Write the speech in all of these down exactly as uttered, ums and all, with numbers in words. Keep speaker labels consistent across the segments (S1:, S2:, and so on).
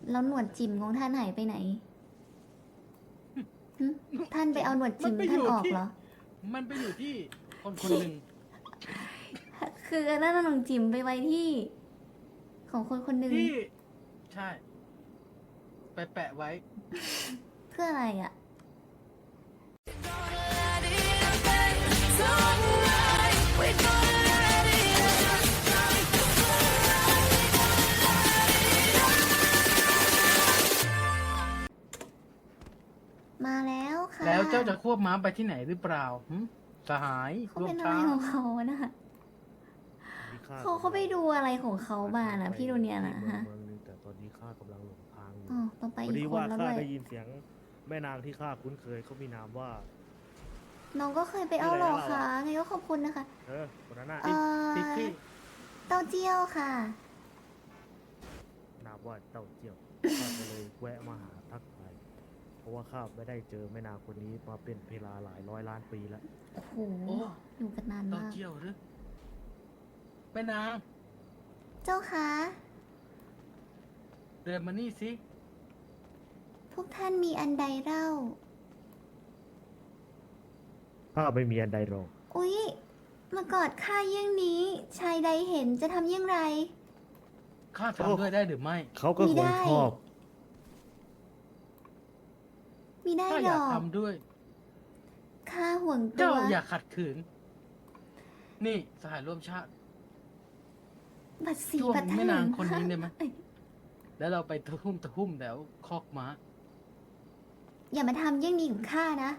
S1: แล้วหนวดจิ๋มของท่านหายไปไหนหึท่านไปเอาหนวดจิ๋มท่านออกเหรอ
S2: มันไปอยู่ที่คนคนหนึ่ง
S1: คืออันนั้นหนวดจิ๋มไปไว้ที่ ของคนคนหนึ่ง
S2: ที่ใช่ ไปแปะไว้
S1: เพื่ออะไรอ่ะ มาแล้วค่ะ
S2: แล้วเจ้าจะควบม้าไปที่ไหนหรือเปล่าหึสหาย
S1: เขา
S2: ร่ว
S1: เป็
S2: ม
S1: นอะ
S2: ช้า
S1: ไรของเขาอะนะเขาเขาไปดูอะไรของเขามานะพี่ดูเนี่ยนะฮะ
S3: เมืองนึงแต่ตอนนี้ข้ากำลังหลงทางอยู่
S1: อ๋อต้องไป
S3: พอ
S1: อี
S3: ดี
S1: กค
S3: ว่าน
S1: แล้ว
S3: ข้า
S1: ด้วย
S3: ได้ยินเสียงแม่นางที่ข้าคุ้นเคยเขามีนามว่า
S1: น้องก็เคยไปเอาหรอคะไงก็ขอบคุณนะคะ
S3: เออคนนั้นน่ะ
S1: เอ่อ
S2: ติ๊กที่
S1: เต้าเจี้ยวค่ะ
S3: นามว่าเต้าเจี้ยวข้าก็เลยแวะมาหาทักทายเพราะว่าข้าไม่ได้เจอแม่นางคนนี้มาเป็นเวลาหลายร้อยล้านปีแล้ว
S1: โอ้โห
S2: โอ้
S1: อยู่กันนาน
S2: เต้าม
S1: าก
S2: เจียวหรือแม่นาง
S1: เจ้าคะ
S2: เดินมานี่สิ
S1: พวกท่านมีอันใดเล่า
S3: ข้าไม่มีอันใดหรอก
S1: อุ๊ย มากอดข้าเยี่ยงนี้ ชายใดเห็นจะทำเยี่ยงไร
S2: ข้าทำด้วยได้หรือไม่
S3: เขาก็
S1: มี
S3: ค
S1: ได้
S3: งชอบ
S1: มีได้
S2: ข้า
S1: ห
S2: อ
S1: ร
S2: ยาก
S1: อก
S2: ทำด้วย
S1: ข้าห่วงตั
S2: เจ้าว อย่าขัดขืน นี่สหายร่วมชาติ
S1: บัดสี
S2: ช่วง
S1: บัดทะ
S2: แม่
S1: ลึ
S2: นาง
S1: ง
S2: คนนี้ได้ไหม
S1: เอ้ย
S2: แล้วเราไปตะทุ่มตะทุ่มแถวคอกม้า
S1: อย่ามาทำเยี่ยงนี้กับข้านะ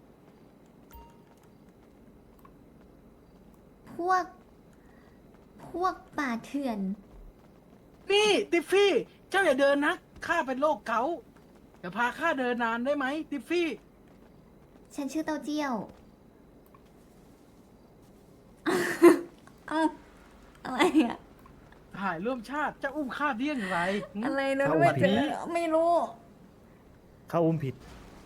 S1: พวก พวกป่าเถื่อน
S2: นี่ติฟฟี่ เจ้าอย่าเดินนะข้าเป็นโรคเกาต์อย่าพาข้าเดินนานได้ไหมติฟฟี่
S1: ฉันชื่อเต้าเจี้ยว เอ้าอะไรอะ
S2: สหายร่วมชาติจะอุ้มข้าได้อย่างไรหึ
S1: อะไรนะ
S3: เข้า
S1: ไม่
S3: มา
S1: เจอไม่รู้
S3: ข้าอุ้มผิด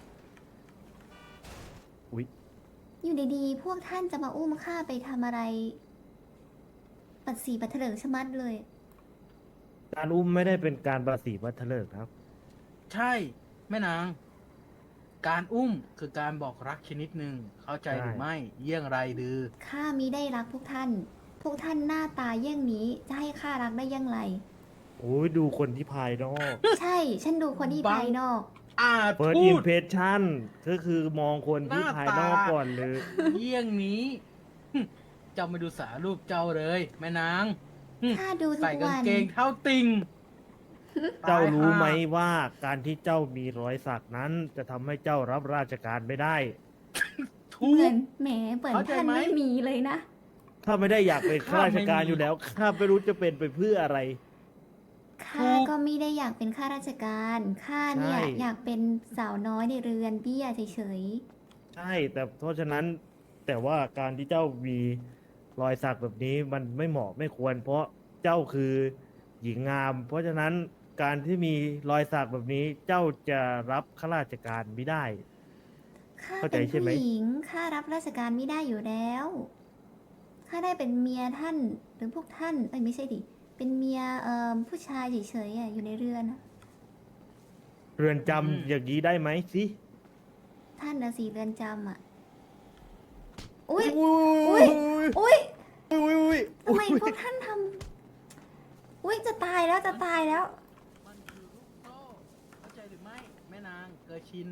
S3: อุ๊ย
S1: อยู่ดีๆ พวกท่านจะมาอุ้มข้าไปทำอะไร ปัดสีปัดเถลิงชะมัดเลย
S3: การอุ้มไม่ได้เป็นการประสีวัฒเลิกษ์ครับ
S2: ใช่แม่นาง การอุ้มคือการบอกรักชนิดหนึ่งเข้าใจหรือ
S3: ใช่
S2: ไม่เยี่ยงไรดือ
S1: ข้ามิได้รักพวกท่าน พวกท่านหน้าตาเยี่ยงนี้ จะให้ข้ารักได้อยังไร
S3: โอ้ยดูคนที่ภายนอก
S1: ใช่ ฉันดูคนที่
S2: บัง
S1: ภายนอก
S2: อาจ
S3: เปิด
S2: พู
S3: อิม
S2: ด
S3: เพรสชั่นก็คือมองคนที่
S2: หน้า
S3: ภายนอก
S2: ตา
S3: ก่อนเลย
S2: เยี่ยงนี้หึเจ้าไม่ดูสารูปเจ้าเลย แม่นางหึ
S1: ข้าดูทุ
S2: ใส่
S1: ก
S2: กาง
S1: วัน
S2: เกงเท้าติง
S3: เจ้ารู้ไหม
S2: ตายห่
S3: ว่าการที่เจ้ามีรอยสักนั้น จะทำให้เจ้ารับราชการไม่ได้
S2: ทุ
S1: เหมื
S2: ก
S1: อนแหมเปิด
S2: เข้าใจ
S1: ท่าน
S2: ไหม
S1: ไม่มีเลยนะ
S3: ถ้าไม่ได้อยากเป็นข้าราชการ
S2: ข้าไม่มี
S3: อยู่แล้วข้าไม่รู้จะเป็นไปเพื่ออะไร
S1: ข้าก็ไม่ได้อยากเป็นข้าราชการ ข้าเนี่ย
S3: ใช่
S1: อยากเป็นสาวน้อยในเรือนเบี้ยเฉย
S3: ใช่ แต่เพราะฉะนั้นแต่ว่าการที่เจ้ามีรอยสักแบบนี้มันไม่เหมาะไม่ควร เพราะเจ้าคือหญิงงาม เพราะฉะนั้นการที่มีรอยสักแบบนี้เจ้าจะรับข้าราชการไม่ได้
S1: ๆ ข้า
S3: เข้าใจ
S1: เป็น
S3: ใช่ไหม
S1: ผู้หญิง ข้ารับราชการไม่ได้อยู่แล้ว ข้าได้เป็นเมียท่าน หรือพวกท่านเอ้ยไม่ใช่ดิ เป็นเมียเอ่อผู้ชายเฉยๆอะอยู่ในเรือนอะ
S3: เรือนจำ
S2: อืม
S3: อย่างนี้ได้ไหมสิ
S1: ท่านนะสีเรือนจำอะอุ้ย
S3: อุ้ย
S1: อุ้ย
S3: อุ้ยอุ้ย
S1: ทำไมพวกท่านทำอุ้ยจะตายแล้วจะตายแล้ว
S2: มันคือลูกโซ่เข้าใจหรือไม่ แม่นางเกอชิน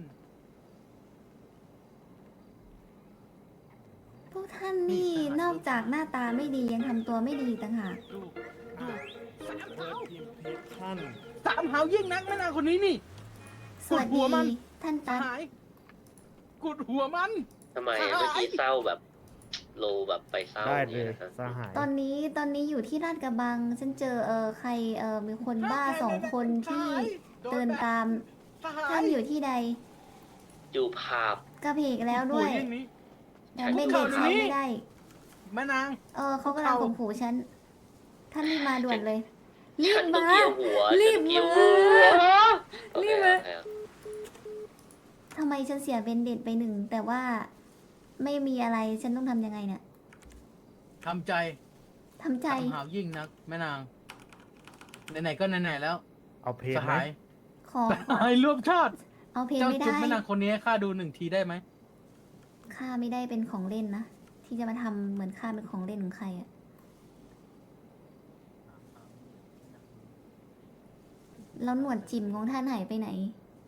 S1: พวกท่านนี่นอกจากหน้าตาไม่ดียังทำตัวไม่ดีต่างหาก
S2: ดูดูสาม
S3: เปิ
S2: เท้า
S3: ดอิมเพรสชั่น
S2: สามเท้ายิ่งนักแม่นางคนนี้นี่
S1: สวัส
S2: ปวดหั
S1: ดี
S2: วมัน
S1: ท่านตัด
S2: หายกดหัวมัน
S4: ทำไม
S2: ใช่
S4: เมื่อกี้เศร้าแบบโลแบบไปเศร้า
S3: ได้
S4: อ
S3: เล
S4: ย่าง
S3: ย
S4: เงี้ยนะครับ
S3: สหาย
S1: ตอนนี้ตอนนี้อยู่ที่ลาดกระบัง ฉันเจอเออใครเออมีคนบ้าสองคนที่เดินตาม
S2: สหาย
S1: ท่านอยู่ที่ใด
S4: อยู่ภาพ
S1: กระเพกแล้วด้วย
S2: โอ้งนี้
S1: ยังไม่เด็กเขาไม่ได้
S2: แม่นาง
S1: เออเขากำลังข่มขู่ฉัน ท่านรีบมาด่วนเลย รี
S4: ฉั
S1: บ
S4: นต้อง
S1: มา
S4: เกี่ยวหัว
S1: รีบ
S4: ฉันต้องเกี่ยว
S1: มา
S4: หัว
S1: รีบมา
S4: โอเคโอเค
S1: ทำไมฉันเสียเบนเด็ดไปหนึ่ง แต่ว่าไม่มีอะไรฉันต้องทำยังไงเนี่ย
S2: ทำใจ
S1: ทำใจ
S2: สามหาวยิ่งนักแม่นางไหนๆก็ไหนๆแล้ว
S3: เอาเพลง
S2: ส
S3: ไหม
S2: หาย
S1: อ
S2: สหายร่วมชาติ
S1: เอาเพลง
S2: เจ้า
S1: ไม่
S2: จุด
S1: ได้
S2: แม่นางคนนี้ให้ข้าดูหนึ่งทีได้ไหม
S1: ข้าไม่ได้เป็นของเล่นนะ ที่จะมาทำเหมือนข้าเป็นของเล่นของใครอะแล้วหนวดจิ๋มของท่านหายไปไหน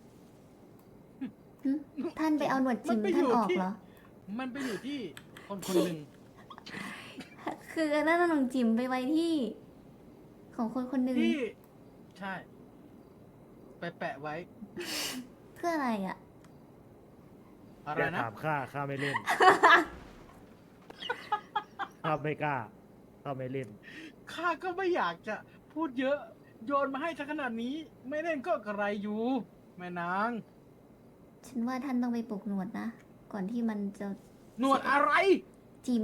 S1: หึท่านไปเอาหนวดจิ๋ม
S2: มันไป
S1: ท่าน
S2: อยู่
S1: ออก
S2: ที่
S1: เหรอ
S2: มันไปอยู่ที่คนคนหนึ่ง
S1: คือนั่นหนวดจิ๋มไปไว้ที่ ของคนคนหนึ่ง
S2: ที่ ใช่ ไปแปะไว้
S1: เพื่ออะไรอะ
S2: อะไร
S3: อย่า
S2: นะ
S3: ถามข้าข้าไม่เล่น ข้าไม่กล้าข้าไม่เล่น
S2: ข้าก็ไม่อยากจะพูดเยอะ โยนมาให้ทั้งขนาดนี้ ไม่เล่นก็กระไรอยู่ แม่นาง
S1: ฉันว่าท่านต้องไปปลูกหนวดนะ ก่อนที่มันจะ
S2: หนวดอะไร
S1: จิ๋ม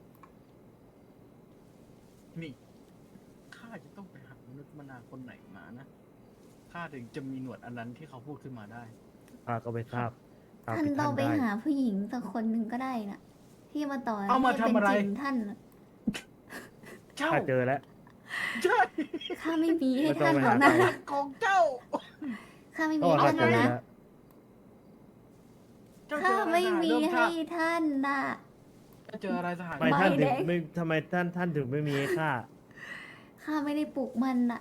S2: นี่ ข้าจะต้องไปหามนุษย์มนาคนไหนมานะ ข้าถึงจะมีหนวดอันนั้นที่เขาพูดขึ้นมาได้
S3: ข้าก็ไม่ทราบตาม
S1: ท่าน
S3: ที่
S1: ต้
S3: ท่า
S1: อง
S3: น
S1: ไป
S3: ได้
S1: หาผู้หญิงสักคนหนึ่งก็ได้นะที่มาต่อ
S2: เอามา
S1: ให้
S2: ทำอะไร
S1: เป็นจิ๋มท่านน่ะ
S2: เจ้า
S3: ข้าเจอแล้ว
S2: ใช่
S1: ข้าไม่มีให้
S3: ไม่ต้อ
S1: ท่าง น
S3: ไป
S1: หร
S3: หา
S1: อกนะ
S3: ใคร
S2: ของเจ้า
S1: ข้าไม่
S3: ก็
S1: มี
S3: ว่า
S1: ให้
S3: ข้า
S1: ท่าน
S3: เจ
S1: หร
S3: อ
S1: อกนะ
S3: แล้ว
S2: เจ้าเจ
S1: ข้า
S2: ออะไร
S1: ไม่
S2: สหาย
S1: มี
S2: ร่วม
S1: ให้
S2: ชาติ
S1: ท่านน่ะ
S2: เจ้าเจออะไรสหาย
S3: ทำไม
S1: ใบ
S3: ท่านถึ
S1: แด
S3: ง
S1: ง
S3: ไม่ทำไมท่านท่านถึงไม่มีให้ข้า
S1: ข้าไม่ได้ปลูกมันน่ะ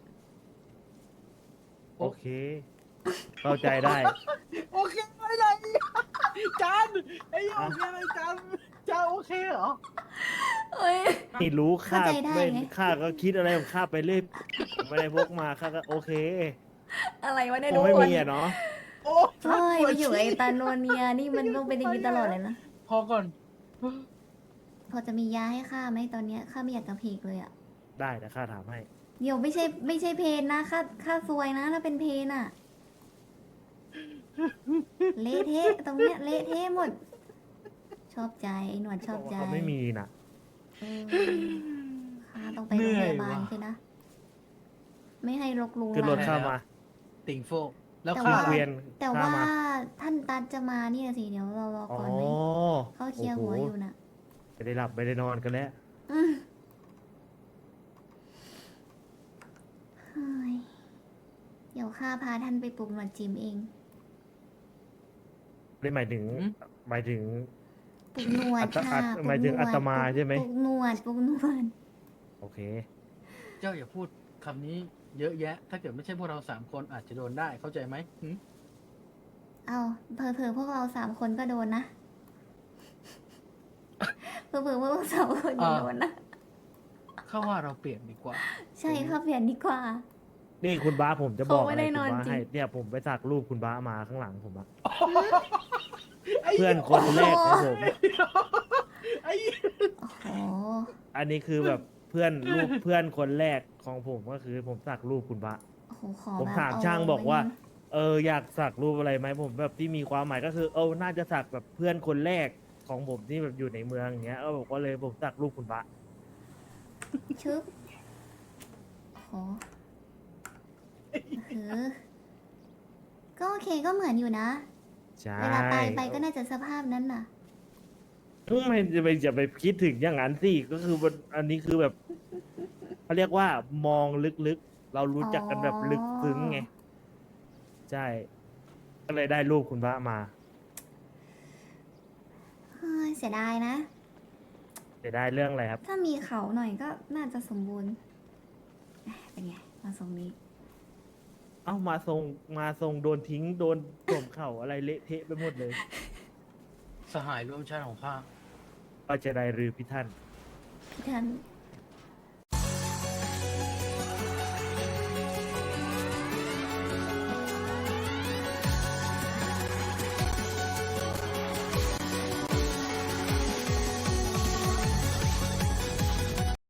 S3: โอเค เข้าใจได้
S2: โอเคไหมล่ะจานไอ้โอเคไหมจานเจ้าโอเคเหรอ
S1: เอ้ย
S3: นี่รู้ข้า
S1: เข้าใจได้
S3: ไม่
S1: ไง
S3: ข้าก็คิดอะไรของข้าไปเรื่อยผมไม่ได้พกมาข้าก็โอเค
S1: อะไรวะเนี่ย
S3: ค
S1: ทุ
S3: ง
S1: ก
S3: ไม่
S1: คน
S3: มีอะเนาะ
S2: โอ้
S1: เฮ้ย
S2: ปว
S1: ไป
S2: ด
S1: อยู่ไอ้
S2: ฉี่
S1: ตาโนเนียนี่มันต้องเป็นอย่างนี้ตลอดเลยนะ
S2: พอก่อน
S1: พอจะมียาให้ข้าไหมตอนเนี้ยข้าไม่อยากกระเพกเลยอะ
S3: ได้แต่ข้าถามให้
S1: เดี๋ยวไม่ใช่ไม่ใช่เพนนะข้าข้าซวยนะถ้าเป็นเพนอะเละเทะตรงเนี้ยเละเทะหมด ชอบใจไอ้หนวดชอบใจ
S3: เขาไม่มีน่ะ
S1: เออข้าต้องไปโรงพยาบาลใช่นะ ไม่ให้รกลุง
S3: ขึ้นรถ
S1: รัง
S3: ข้ามา
S2: ติ่งโฟกแล้ว
S1: แต่
S2: ข้า
S1: ว่า
S3: เกวียน
S1: แต่
S3: ข้า
S1: ว่า
S3: มา
S1: ท่านตัดจะมานี่นะสิเดี๋ยวเรารอ
S3: อ๋อ
S1: ก่อนไหมเขาเคลียร์หัวอยู่นะ
S3: ไม่ได้หลับไม่ได้นอนกันแล้ว
S1: อืมเฮ้ยเดี๋ยวข้าพาท่านไปปลุกหนวดจิมเอง
S3: ได้หมายถึงหมายถึง
S1: ปลุกหนวด
S3: อัต
S1: ค่ะ
S3: อัต
S1: ปลุก
S3: หมายถึง
S1: นวด
S3: อัตมาใช่ไหม
S1: ปลุกหนวดปลุกหนวด
S3: โอเค
S2: เจ้าอย่าพูดคำนี้เยอะแยะ ถ้าเกิดไม่ใช่พวกเราสามคนอาจจะโดนได้เข้าใจไหมหึ
S1: เอาเผลอๆพวกเราสามคนก็โดนนะเผลอๆพวกเราสามคนก็โดนนะ
S2: เข้าว่าเราเปลี่ยนดีกว่า
S1: ใช่ค่ะเปลี่ยนดีกว่า
S3: นี่คุณบ้าผมจะบอก
S1: เขาไม่
S3: อะไร
S1: ได้
S3: คุณ
S1: นอน
S3: บ้า
S1: จริง
S3: ให้เนี่ยผมไปสักรูปคุณบ้ามาข้างหลังผมอะ
S2: ไอ้
S3: เพื่อนคนแรกของผม
S2: ไอ้
S1: โอ้โห
S3: อันนี้คือแบบเพื่อนรูปเพื่อนคนแรกของผมก็คือผมสักรูปคุณบ้า
S1: โอ้โหขอ
S3: ผม
S1: แบบ
S3: ถาม
S1: เ
S3: ช่างบอกว่า
S1: ไว้นะ
S3: เอออยากสักรูปอะไรไหมผมแบบที่มีความหมายก็คือ เออน่าจะสักแบบเพื่อนคนแรกของผมที่แบบอยู่ในเมืองอย่างเงี้ยก็บอกว่าเลยผมสักรูปคุณบ้า
S1: ชึบโอ้โหเออก็โอเคก็เหมือนอยู่นะ
S3: ใช่
S1: เวลาตายไปก็น่าจะสภาพนั้นน่ะ
S3: ไม่จะไปจะไปคิดถึงอย่างนั้นสิก็คือมันอันนี้คือแบบเขาเรียกว่ามองลึกๆ เรารู้จักกันแบบลึกซึ้งไงใช่ ก็เลยได้รูปคุณพระมา
S1: เฮ้ยเสียดายนะ
S3: จะได้เรื่องอะไรครับ
S1: ถ้ามีเขาหน่อยก็น่าจะสมบูรณ์เอ๊ะเป็นไง มาทรงนี้
S3: เอ้ามาทรงมาทรงโดนทิ้งโดนสวมเข่าอะไรเละเทะไปหมดเลย
S2: สหายร่วมชาติของข้า
S3: ก็จะได้รือพิท่าน
S1: พี่ท่าน